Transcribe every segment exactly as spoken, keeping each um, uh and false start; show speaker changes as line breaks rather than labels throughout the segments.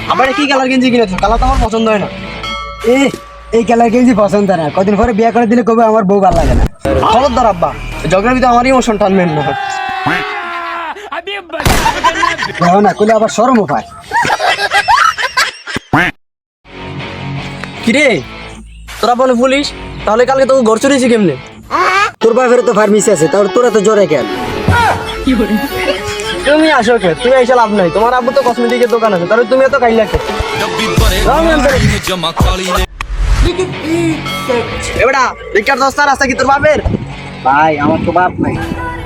আবার কি কালার গেঞ্জি কিনেছো? কালার তো আমার পছন্দ হয় না।
এ এই কালার গেঞ্জি পছন্দ না, কদিন পরে বিয়ে করে দিলে কবে আমার বউ ভালো লাগে না।
খবরদার আব্বা, ঝগড়ার ভিতরে আমার ইমোশন টানবেন না।
দেখো না কইলে আবার শরমও পায়।
কিরে তোরা বলে পুলিশ, তাহলে কালকে তোকে ঘর চুরিয়েছি কেমনে?
তোর বাপের তো ফার্মেসি আছে, তাহলে তোরা তো জ্বরে কেন?
তুমি আসো কে? তুমি এসে লাভ নাই, তোমার আব্বু তো কসমেটিকের দোকান আছে, তাহলে তুমি এত কাইলা কে? এবারে রিকার দস্তা রাস্তা কি তোর বাপের?
ভাই আমার তো বাপ নাই।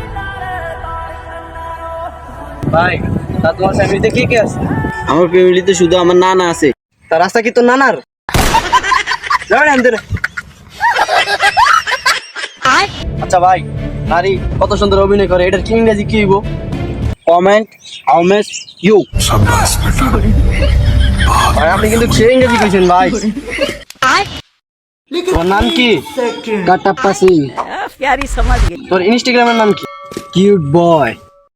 ভাই তা তোমার ফ্যামিলিতে কে কে আছে?
আমার ফ্যামিলিতে শুধু আমার নানা আছে।
তা রাস্তা কি তোর নানার? যাও না এমন। আচ্ছা ভাই, নারী কত সুন্দর অভিনয় করে, এটার কি ইংরেজি কি হইব?
Comment how much you.
ভাই আপনি কিন্তু সে ইংরেজি কইছেন ভাই। তোর নাম কি?
কাটাপ্পা সিং।
प्यारी समझ गई।
তোর ইনস্টাগ্রামের নাম কি?
Cute boy.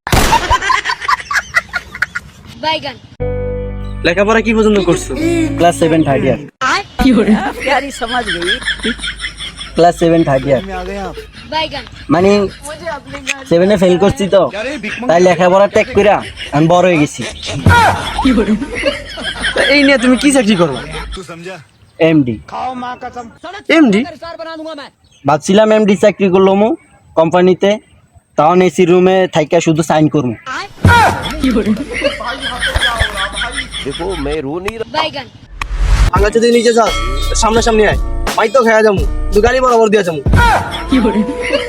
बैगन
লেখাপড়া কি পছন্দ করছো?
Class seven third year.
प्यारी समझ गई।
ক্লাস সেভেন থার্ড ইয়ার
बैगन
মানে সেভেনে ফেল করছি তো, তাই লেখাপড়া ত্যাগ করে আমি বড় হয়ে গেছি।
তা এই নিয়ে তুমি কি চাকরি করো?
এমডি।
এমডি?
ভাবছিলাম এমডি চাকরি করলাম কোম্পানিতে, তখন এসি রুমে থাইকা শুধু সাইন করবো।
बैगन
আঙ্গা যদি নিচে যাস সামনে সামনে আয়, মাই তো খেয়া যাবো, তুই গাড়ি বরাবর দিয়ে যাবো।